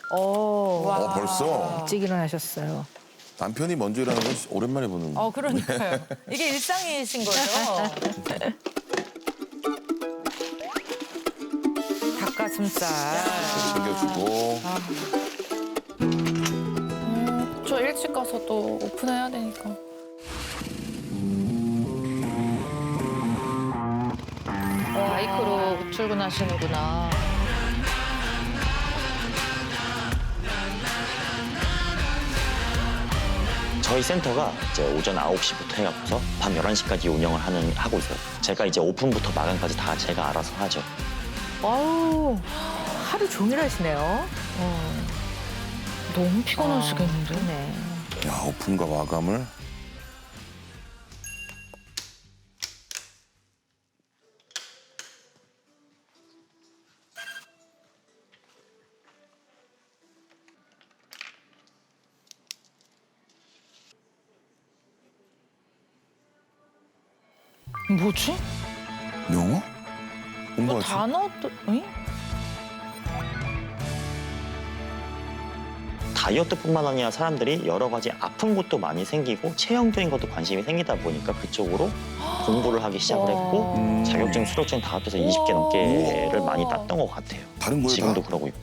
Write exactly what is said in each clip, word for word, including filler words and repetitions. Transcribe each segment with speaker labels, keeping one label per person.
Speaker 1: 오,
Speaker 2: 어, 벌써?
Speaker 1: 일찍 일어나셨어요.
Speaker 2: 남편이 먼저 일하는 건 오랜만에 보는 거.
Speaker 3: 어, 그러니까요. 이게 일상이신 거죠? 닭가슴살.
Speaker 2: 챙겨주고.
Speaker 4: 음, 저 일찍 가서 또 오픈해야 되니까.
Speaker 3: 어, 바이크로 출근하시는구나.
Speaker 5: 저희 센터가 이제 오전 아홉 시부터 해갖고서 밤 열한 시까지 운영을 하는, 하고 있어요. 제가 이제 오픈부터 마감까지 다 제가 알아서 하죠.
Speaker 1: 아우, 하루 종일 하시네요. 어.
Speaker 4: 너무 피곤하시겠는데?
Speaker 1: 네.
Speaker 2: 야, 오픈과 마감을.
Speaker 4: 뭐지?
Speaker 2: 영어?
Speaker 4: 뭐
Speaker 2: 공부하지?
Speaker 4: 단어도, 응?
Speaker 5: 다이어트뿐만 아니라 사람들이 여러 가지 아픈 것도 많이 생기고 체형적인 것도 관심이 생기다 보니까 그쪽으로 공부를 하기 시작을 했고
Speaker 2: 음.
Speaker 5: 자격증, 수료증 다 합해서 이십 개 넘게를 많이 땄던 것 같아요.
Speaker 2: 다른 거에
Speaker 5: 지금도
Speaker 2: 다?
Speaker 5: 그러고 있고.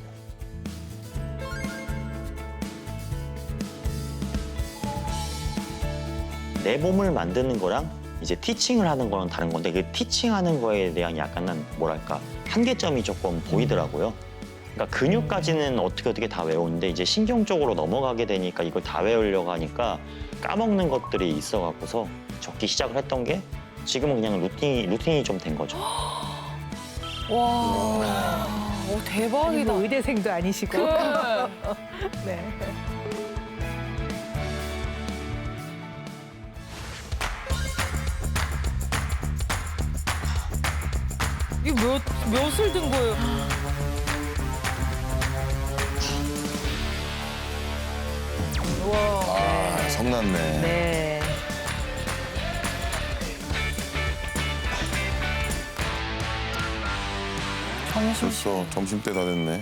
Speaker 5: 내 몸을 만드는 거랑 이제 티칭을 하는 거랑 다른 건데 그 티칭하는 거에 대한 약간은 뭐랄까 한계점이 조금 보이더라고요. 그러니까 근육까지는 어떻게 어떻게 다 외우는데 이제 신경 쪽으로 넘어가게 되니까 이걸 다 외우려고 하니까 까먹는 것들이 있어갖고서 적기 시작을 했던 게 지금은 그냥 루틴이 루틴이 좀 된 거죠.
Speaker 4: 와, 오, 대박이다.
Speaker 1: 아니, 뭐 의대생도 아니시고.
Speaker 4: 그...
Speaker 1: 네.
Speaker 4: 이게 몇, 몇을 든 거예요?
Speaker 2: 아, 성났네.
Speaker 1: 네.
Speaker 4: 점심
Speaker 2: 벌써 점심때 다 됐네.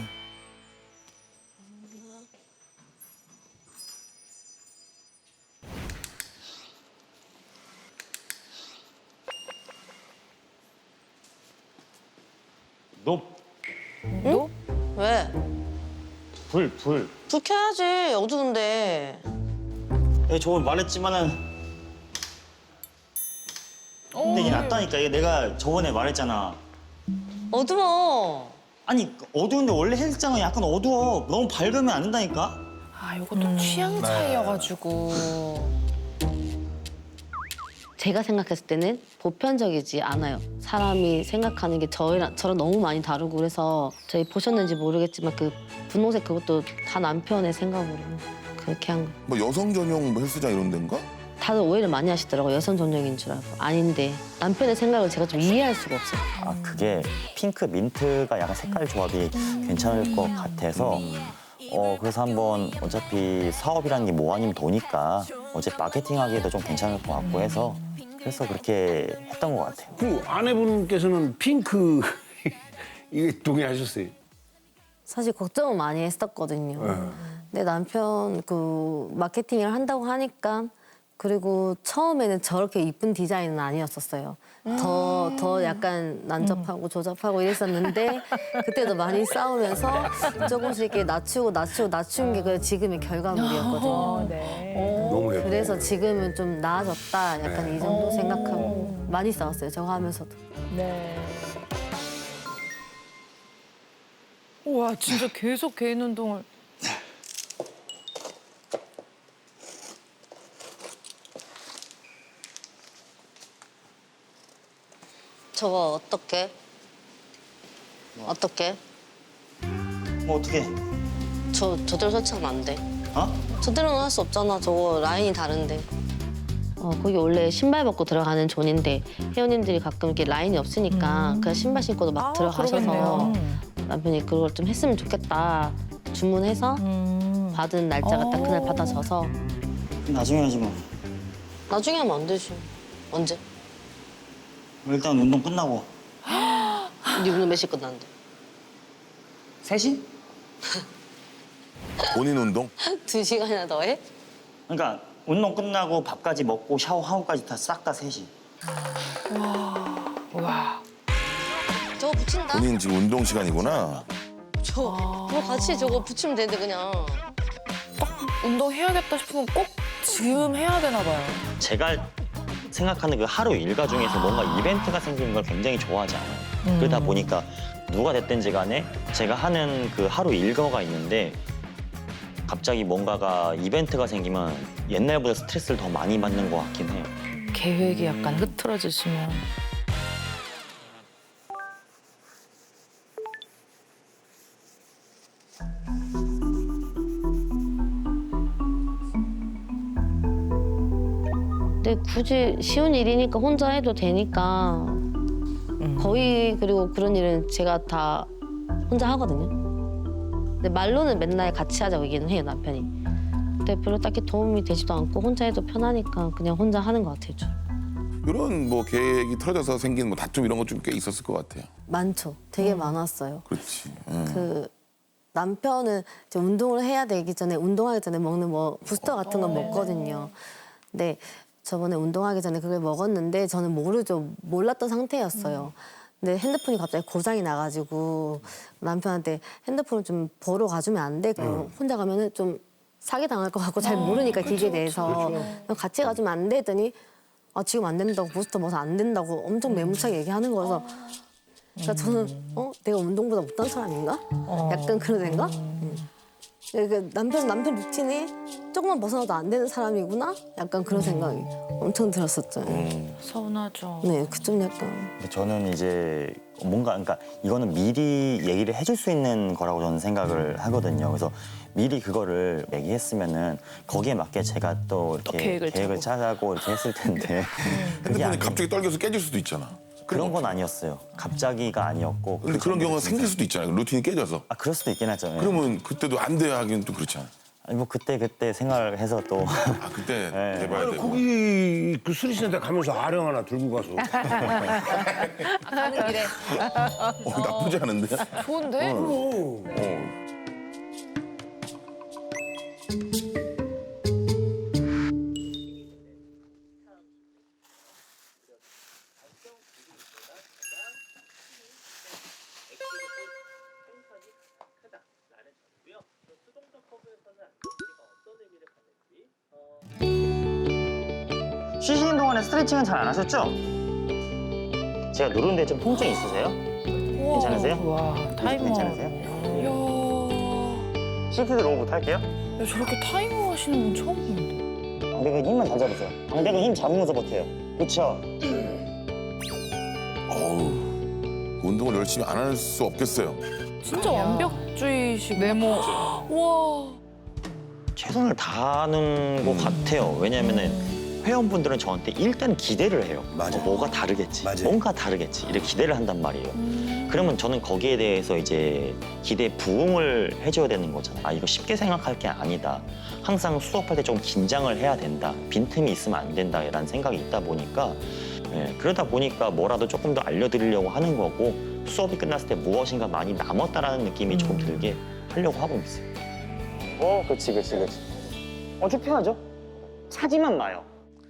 Speaker 5: 너
Speaker 6: 왜?
Speaker 5: 불, 불.
Speaker 6: 불 켜야지. 어두운데.
Speaker 5: 예, 저번 말했지만은 근데 이게 낫다니까. 이게 내가 저번에 말했잖아.
Speaker 6: 어두워.
Speaker 5: 아니 어두운데 원래 헬스장은 약간 어두워. 너무 밝으면 안 된다니까.
Speaker 4: 아, 이것도 취향 차이여가지고.
Speaker 7: 제가 생각했을 때는 보편적이지 않아요. 사람이 생각하는 게 저희랑 저랑 너무 많이 다르고 그래서 저희 보셨는지 모르겠지만 그 분홍색 그것도 다 남편의 생각으로 그렇게 한 거.
Speaker 2: 뭐 여성 전용 뭐 헬스장 이런 데인가?
Speaker 7: 다들 오해를 많이 하시더라고요. 여성 전용인 줄 알고. 아닌데 남편의 생각을 제가 좀 이해할 수가 없어요.
Speaker 5: 아 그게 핑크 민트가 약간 색깔 조합이 괜찮을 것 같아서 어 그래서 한번 어차피 사업이라는 게 뭐 아니면 도니까 어차피 마케팅하기에도 좀 괜찮을 것 같고 해서 그래서 그렇게 했던 것 같아요.
Speaker 8: 그 아내분께서는 핑크 이게 동의하셨어요?
Speaker 7: 사실 걱정은 많이 했었거든요. 근데 남편 그 마케팅을 한다고 하니까 그리고 처음에는 저렇게 이쁜 디자인은 아니었었어요. 더, 더 약간 난잡하고 조잡하고 이랬었는데 그때도 많이 싸우면서 조금씩 이렇게 낮추고 낮추고 낮춘 게 그 지금의 결과물이었거든요.
Speaker 1: 어, 네.
Speaker 8: 너무 예뻐.
Speaker 7: 그래서 지금은 좀 나아졌다 약간 이 정도 생각하고 많이 싸웠어요. 저거 하면서도.
Speaker 1: 네.
Speaker 4: 와, 진짜 계속 개인 운동을.
Speaker 6: 저거 어떻게? 어떻게?
Speaker 5: 뭐 어떻게?
Speaker 6: 저 저대로 설치하면 안 돼.
Speaker 5: 어?
Speaker 6: 저대로는 할 수 없잖아. 저거 라인이 다른데.
Speaker 7: 어, 거기 원래 신발 벗고 들어가는 존인데 회원님들이 가끔 이렇게 라인이 없으니까 그냥 신발 신고도 막
Speaker 1: 아,
Speaker 7: 들어가셔서
Speaker 1: 그러겠네요.
Speaker 7: 남편이 그걸 좀 했으면 좋겠다 주문해서
Speaker 1: 음.
Speaker 7: 받은 날짜가 딱 그날 받아져서
Speaker 5: 나중에 하지 뭐.
Speaker 6: 나중에 하면 안 되지. 언제?
Speaker 5: 일단 운동 끝나고.
Speaker 6: 네 운동 몇 시 끝났는데?
Speaker 5: 세 시?
Speaker 2: 본인 운동?
Speaker 6: 두 시간이나 더 해?
Speaker 5: 그러니까 운동 끝나고 밥까지 먹고 샤워하고까지 다 싹 다 셋이.
Speaker 3: 와.
Speaker 6: 저거 붙인다.
Speaker 2: 본인 지금 운동 시간이구나.
Speaker 6: 저 그거 같이 저거 붙이면 되는데 그냥.
Speaker 4: 운동해야겠다 싶으면 꼭 지금 해야 되나 봐요.
Speaker 5: 제가 생각하는 그 하루 일과 중에서 뭔가 이벤트가 생기는 걸 굉장히 좋아하지 않아요. 그러다 보니까 누가 됐든지 간에 제가 하는 그 하루 일과가 있는데 갑자기 뭔가가 이벤트가 생기면 옛날보다 스트레스를 더 많이 받는 것 같긴 해요.
Speaker 3: 계획이 약간 흐트러지시면.
Speaker 6: 근데 굳이 쉬운 일이니까 혼자 해도 되니까 거의 그리고 그런 일은 제가 다 혼자 하거든요. 근데 말로는 맨날 같이 하자고 얘기는 해요, 남편이. 근데 별로 딱히 도움이 되지도 않고 혼자 해도 편하니까 그냥 혼자 하는 것 같아요, 저.
Speaker 2: 이런 뭐 계획이 틀어져서 생긴 뭐 다툼 이런 것 좀 꽤 있었을 것 같아요.
Speaker 7: 많죠. 되게 많았어요.
Speaker 2: 그렇지. 응.
Speaker 7: 그 남편은 이제 운동을 해야 되기 전에 운동하기 전에 먹는 뭐 부스터 같은 건 먹거든요. 근데 저번에 운동하기 전에 그걸 먹었는데 저는 모르죠. 몰랐던 상태였어요. 근데 핸드폰이 갑자기 고장이 나가지고 남편한테 핸드폰을 좀 보러 가주면 안 돼? 그럼 혼자 가면은 좀 사기 당할 것 같고 잘 모르니까 기계에 대해서 그럼 같이 가주면 안 돼? 했더니 아 지금 안 된다고 부스터 먹어서 안 된다고 엄청 매무차게 얘기하는 거여서 그러니까 저는 어 내가 운동보다 못한 사람인가? 약간 그런 생각? 음. 그러니까 남편 남편 루틴에 조금만 벗어나도 안 되는 사람이구나? 약간 그런 생각이 엄청 들었었죠.
Speaker 2: 음.
Speaker 3: 서운하죠.
Speaker 7: 네, 그 좀 약간
Speaker 5: 근데 저는 이제 뭔가 그러니까 이거는 미리 얘기를 해줄 수 있는 거라고 저는 생각을 하거든요. 그래서 미리 그거를 얘기했으면은 거기에 맞게 제가 또 이렇게
Speaker 3: 계획을
Speaker 5: 계획을 짜고 이렇게 했을 텐데 그게
Speaker 2: 핸드폰이
Speaker 5: 아니,
Speaker 2: 갑자기 떨겨서 깨질 수도 있잖아.
Speaker 5: 그런 건 아니었어요. 갑자기가 아니었고.
Speaker 2: 근데 그런 경우가 생길 수도 있잖아요. 루틴이 깨져서.
Speaker 5: 아 그럴 수도 있긴 하죠. 예.
Speaker 2: 그러면 그때도 안 돼야 하기는 좀 그렇잖아.
Speaker 5: 아니 뭐 그때 그때 생각을 해서 또
Speaker 2: 아 그때
Speaker 5: 네.
Speaker 2: 해봐야 되고.
Speaker 8: 거기 그 수리센터 가면서 아령 하나 들고 가서
Speaker 3: 가는 길에.
Speaker 2: 어, 나쁘지 않은데?
Speaker 4: 좋은데?
Speaker 2: 어.
Speaker 5: 쉬시는 동안에 스트레칭은 잘 안 하셨죠? 제가 누르는데 좀 통증 있으세요? 괜찮으세요?
Speaker 3: 와, 타이머.
Speaker 5: 괜찮으세요?
Speaker 4: 이야,
Speaker 5: 시트 로우부터 할게요.
Speaker 4: 야, 저렇게 타이머 하시는 분 처음 본다.
Speaker 5: 방백은 힘만 더 잡으세요. 방백은 힘 잡으면서 버텨요. 그렇죠?
Speaker 2: 어우, 운동을 열심히 안 할 수 없겠어요.
Speaker 4: 진짜 완벽주의식.
Speaker 3: 네모.
Speaker 4: 와.
Speaker 5: 최선을 다하는 것 같아요. 왜냐면은 회원분들은 저한테 일단 기대를 해요.
Speaker 8: 맞아요.
Speaker 5: 어, 뭐가 다르겠지,
Speaker 8: 맞아요.
Speaker 5: 뭔가 다르겠지 이렇게 기대를 한단 말이에요. 그러면 저는 거기에 대해서 이제 기대에 부응을 해줘야 되는 거잖아요. 아 이거 쉽게 생각할 게 아니다. 항상 수업할 때 좀 긴장을 해야 된다. 빈틈이 있으면 안 된다라는 생각이 있다 보니까 예, 그러다 보니까 뭐라도 조금 더 알려드리려고 하는 거고 수업이 끝났을 때 무엇인가 많이 남았다라는 느낌이 조금 들게 하려고 하고 있어요. 어, 그렇지, 그렇지, 그렇지. 어, 쭉 펴야죠. 차지만 마요.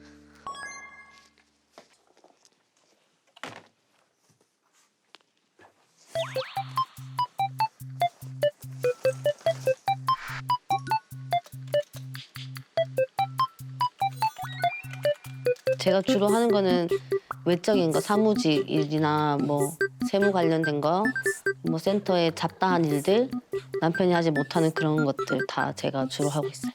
Speaker 6: 제가 주로 하는 거는 외적인 거, 사무직 일이나 뭐 세무 관련된 거, 뭐 센터에 잡다한 일들, 남편이 하지 못하는 그런 것들 다 제가 주로 하고 있어요.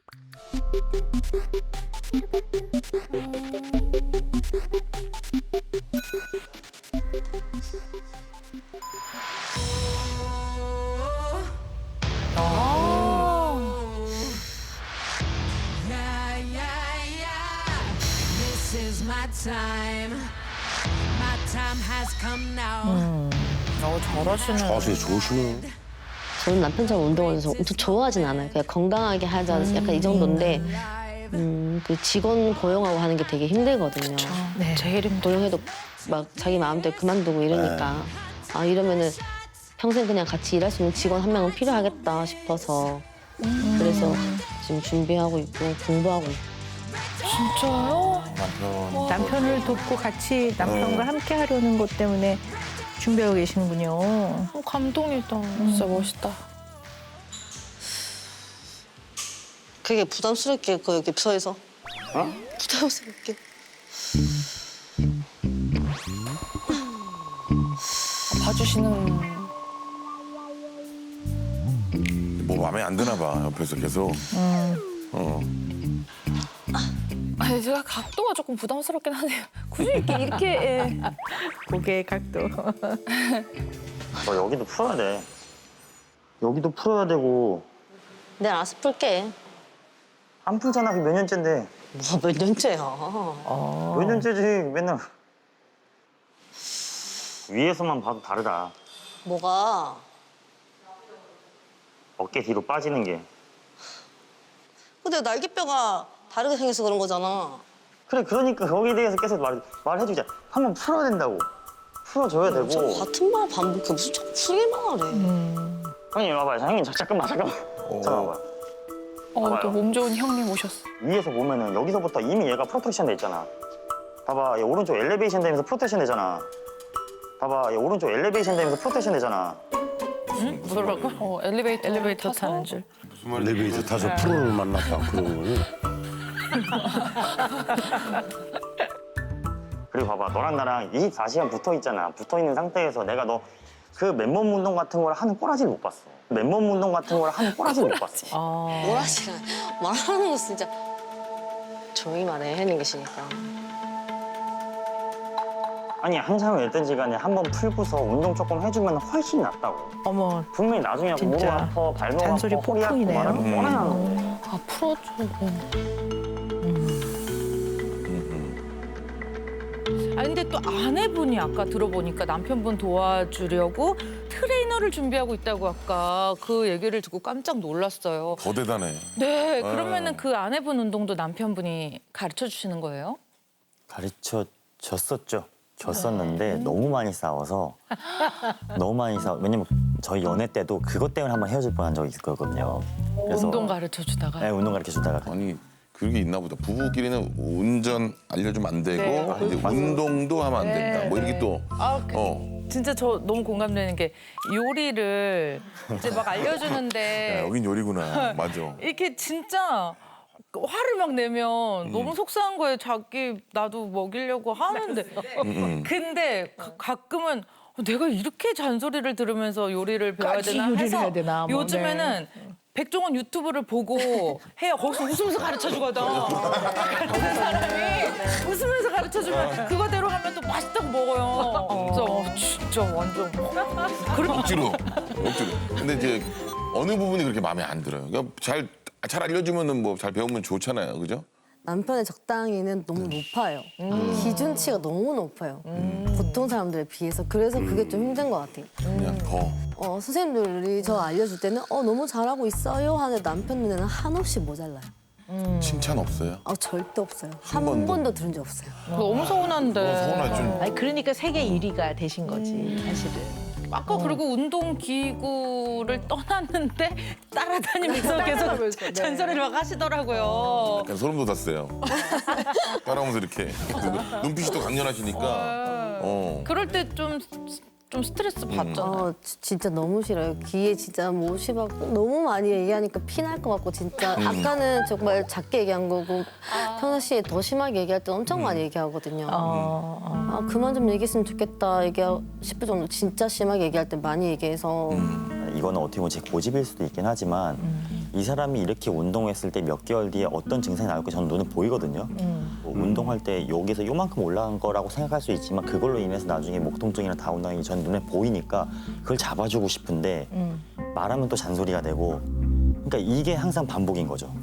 Speaker 3: 어, 잘하시는.
Speaker 8: 자세 좋으시네요.
Speaker 6: 저는 남편처럼 운동을 해서 엄청 좋아하진 않아요. 그냥 건강하게 하자 약간 이 정도인데 음, 그 직원 고용하고 하는 게 되게 힘들거든요.
Speaker 3: 네. 제일 힘들어.
Speaker 6: 고용해도 막 자기 마음대로 그만두고 이러니까 아 이러면은 평생 그냥 같이 일할 수 있는 직원 한 명은 필요하겠다 싶어서 그래서 지금 준비하고 있고 공부하고 있고.
Speaker 4: 진짜요?
Speaker 2: 남편.
Speaker 1: 남편을 돕고 같이 남편과
Speaker 2: 네.
Speaker 1: 함께 하려는 것 때문에 준비하고 계시는군요.
Speaker 4: 어, 감동이다. 진짜 멋있다.
Speaker 6: 그게 부담스럽게 그 여기 서에서. 어? 부담스럽게.
Speaker 4: 봐주시는.
Speaker 2: 뭐 마음에 안 드나 봐 옆에서 계속. 어.
Speaker 4: 아니 제가 각도가 조금 부담스럽긴 하네요. 굳이 이렇게 이렇게 예.
Speaker 1: 고개의 각도.
Speaker 5: 너 여기도 풀어야 돼. 여기도 풀어야 되고
Speaker 6: 내가 알아서 풀게.
Speaker 5: 안 풀잖아. 그게 몇 년째인데.
Speaker 6: 뭐몇 년째야.
Speaker 1: 어.
Speaker 5: 몇 년째지 맨날. 위에서만 봐도 다르다.
Speaker 6: 뭐가?
Speaker 5: 어깨 뒤로 빠지는 게.
Speaker 6: 근데 날개뼈가 다르게 생겨서 그런 거잖아.
Speaker 5: 그래 그러니까 거기에 대해서 계속 말, 말해주자. 한번 풀어야 된다고. 풀어줘야 되고.
Speaker 6: 저 같은 말 반복해. 무슨 자꾸 풀기만 하래.
Speaker 5: 형님 와봐요. 형님 자, 잠깐만 잠깐만. 잠깐만 와봐요.
Speaker 4: 어,
Speaker 5: 봐봐요.
Speaker 4: 또 몸 좋은 형님 오셨어.
Speaker 5: 위에서 보면은 여기서부터 이미 얘가 프로텍션 돼 있잖아. 봐봐, 얘 오른쪽 엘리베이션 되면서 프로텍션 되잖아. 봐봐, 얘 오른쪽 엘리베이션 되면서 프로텍션 되잖아.
Speaker 4: 뭐라고? 어, 엘리베이터
Speaker 1: 엘리베이터
Speaker 4: 타서?
Speaker 1: 타는 줄.
Speaker 2: 무슨 말인지
Speaker 8: 엘리베이터 타서 프로를 만났다 그런 거니?
Speaker 5: 그리고 봐봐, 너랑 나랑 이십사 시간 붙어 있잖아. 붙어 있는 상태에서 내가 너 그 맨몸 운동 같은 걸 하는 꼬라지를 못 봤어. 맨몸 운동 같은 걸 하는 꼬라지를 못 봤어.
Speaker 1: 어.
Speaker 6: 뭐라지라 말하는 거 진짜 조용히 말해. 해는 계시니까.
Speaker 5: 아니 항상 일든지 간에 한 번 풀고서 운동 조금 해주면 훨씬 낫다고.
Speaker 1: 어머,
Speaker 5: 분명히 나중에 무릎
Speaker 1: 진짜
Speaker 5: 아파, 발목 아파,
Speaker 1: 잔소리
Speaker 5: 허리 아파
Speaker 1: 폭풍이네요.
Speaker 5: 말하면
Speaker 2: 음.
Speaker 5: 뻔하는 거.
Speaker 4: 아 풀어줘. 아 근데 또 아내분이 아까 들어보니까 남편분 도와주려고 트레이너를 준비하고 있다고 아까 그 얘기를 듣고 깜짝 놀랐어요.
Speaker 2: 더 대단해.
Speaker 4: 네, 그러면은 그 아내분 운동도 남편분이 가르쳐 주시는 거예요?
Speaker 5: 가르쳐 줬었죠. 줬었는데 너무 많이 싸워서 너무 많이 싸워. 왜냐면 저희 연애 때도 그것 때문에 한번 헤어질 뻔한 적이 있었거든요. 그래서
Speaker 4: 운동 가르쳐 주다가.
Speaker 5: 네, 운동 가르쳐 주다가
Speaker 2: 아니 그게 있나 보다. 부부끼리는 운전 알려주면 안 되고
Speaker 4: 네,
Speaker 2: 이제 운동도 하면 안 된다. 뭐 이렇게 또
Speaker 4: 아, 그,
Speaker 2: 어.
Speaker 4: 진짜 저 너무 공감되는 게 요리를 이제 막
Speaker 2: 야,
Speaker 4: 알려주는데
Speaker 2: 여긴 요리구나. 맞아.
Speaker 4: 이렇게 진짜 화를 막 내면
Speaker 2: 음.
Speaker 4: 너무 속상한 거예요. 자기 나도 먹이려고 하는데
Speaker 2: 음.
Speaker 4: 근데 가, 가끔은 내가 이렇게 잔소리를 들으면서 요리를 배워야
Speaker 1: 까지
Speaker 4: 되나
Speaker 1: 요리를
Speaker 4: 해서
Speaker 1: 해야 되나, 뭐,
Speaker 4: 요즘에는 백종원 유튜브를 보고 해요. 거기서 웃으면서 가르쳐주거든. 다른 사람이 웃으면서 가르쳐주면 그거대로 하면 또 맛있다고 먹어요. 그래서 어, 진짜 완전 그렇게
Speaker 2: 억지로. 억지로. 근데 이제 어느 부분이 그렇게 마음에 안 들어요. 그러니까 잘, 잘 알려주면은 뭐 잘 배우면 좋잖아요. 그죠?
Speaker 7: 남편의 적당히는 너무 높아요. 기준치가 너무 높아요. 보통 사람들에 비해서. 그래서 그게 좀 힘든 것 같아요.
Speaker 2: 그냥 더.
Speaker 7: 어, 선생님들이 저 알려줄 때는 어, 너무 잘하고 있어요 하는데 남편 눈에는 한없이 모자라요.
Speaker 2: 칭찬 없어요?
Speaker 7: 어, 절대 없어요.
Speaker 2: 한
Speaker 7: 한
Speaker 2: 번도?
Speaker 7: 번도 들은 적 없어요.
Speaker 4: 너무 서운한데.
Speaker 2: 서운하지 좀.
Speaker 1: 아니 그러니까 세계 일 위가 되신 거지 사실은.
Speaker 4: 아까 그리고 운동 기구를 떠났는데 따라다니면서 계속
Speaker 1: 따라가면서, 네.
Speaker 4: 잔소리를 막 하시더라고요.
Speaker 2: 약간 소름 돋았어요. 따라오면서 이렇게. 눈빛이 또 강렬하시니까. 어.
Speaker 4: 그럴 때 좀 좀 스트레스 받잖아요.
Speaker 7: 어, 지- 진짜 너무 싫어요. 귀에 진짜 못이 받고 너무 많이 얘기하니까 피 날 것 같고 진짜 아까는 정말 작게 얘기한 거고 평소 시에 더 심하게 얘기할 때 엄청 많이 얘기하거든요.
Speaker 1: 어, 어.
Speaker 7: 아 그만 좀 얘기했으면 좋겠다 얘기 싶을 정도 진짜 심하게 얘기할 때 많이 얘기해서
Speaker 5: 이거는 어떻게 보면 제 고집일 수도 있긴 하지만 이 사람이 이렇게 운동했을 때 몇 개월 뒤에 어떤 증상이 나올까 저는 눈에 보이거든요. 뭐 운동할 때 여기서 요만큼 올라간 거라고 생각할 수 있지만 그걸로 인해서 나중에 목 통증이나 다운당이 전 눈에 보이니까 그걸 잡아주고 싶은데 말하면 또 잔소리가 되고 그러니까 이게 항상 반복인 거죠.